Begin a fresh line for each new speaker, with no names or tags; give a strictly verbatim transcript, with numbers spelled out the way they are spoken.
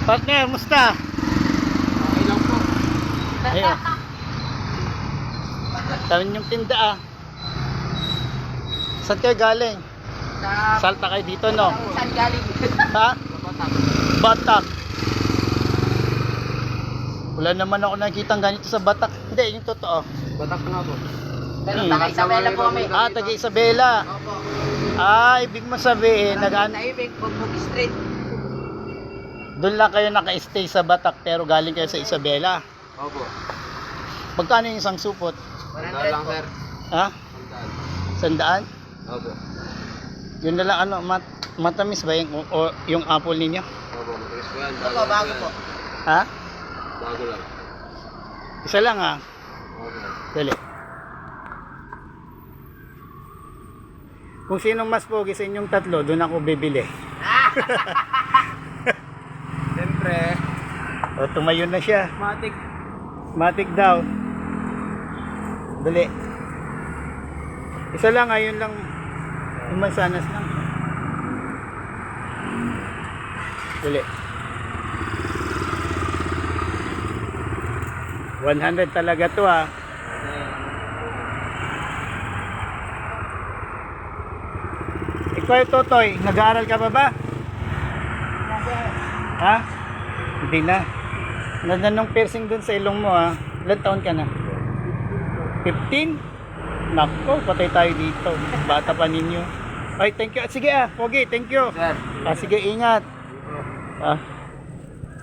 Partner, musta?
Okay lang po.
Ayun. Tarin yung tinda ah. Saan kayo galing?
Sa...
Salta kayo dito, no?
Saan galing?
Ha?
Batak.
Batak. Wala naman ako nakikita ganito sa Batak. Hindi, yung totoo.
Batak nga po.
Pero
Hmm.
taga
Isabela po kami.
Ah, taga Isabela.
Opo.
Ah, ibig mo sabihin, nagaan...
Naibig, Bugbog Street.
doon lang kayo naka-stay sa Batak pero galing kayo sa Isabela.
Opo.
Magkano yung isang supot?
one hundred lang, sir.
Ha? Sandaan?
Opo.
Yun na lang ano, mat matamis ba yung, o, yung apple ninyo?
Opo, matigas po yan.
Opo, bago po.
Ha?
Bago lang.
Isa lang ha.
Opo.
Dali. Kung sinong mas pogi sa inyong tatlo, doon ako bibili.
Siyempre.
O, tumayo na siya.
Matik.
Matik daw. Dali. Isa lang, ayun lang. Umasanas lang. Dali. one hundred talaga to ha. Ikaw yung Totoy, nag-aaral ka pa ba? Ha? Hindi na. Ganda nung piercing dun sa ilong mo ha. Ilan taon ka na? fifteen? Nako, patay tayo dito. Bata pa ninyo. Ay, thank you. Sige ah, Pogi, thank you.
Sir.
Ah, sige, ingat. Ah.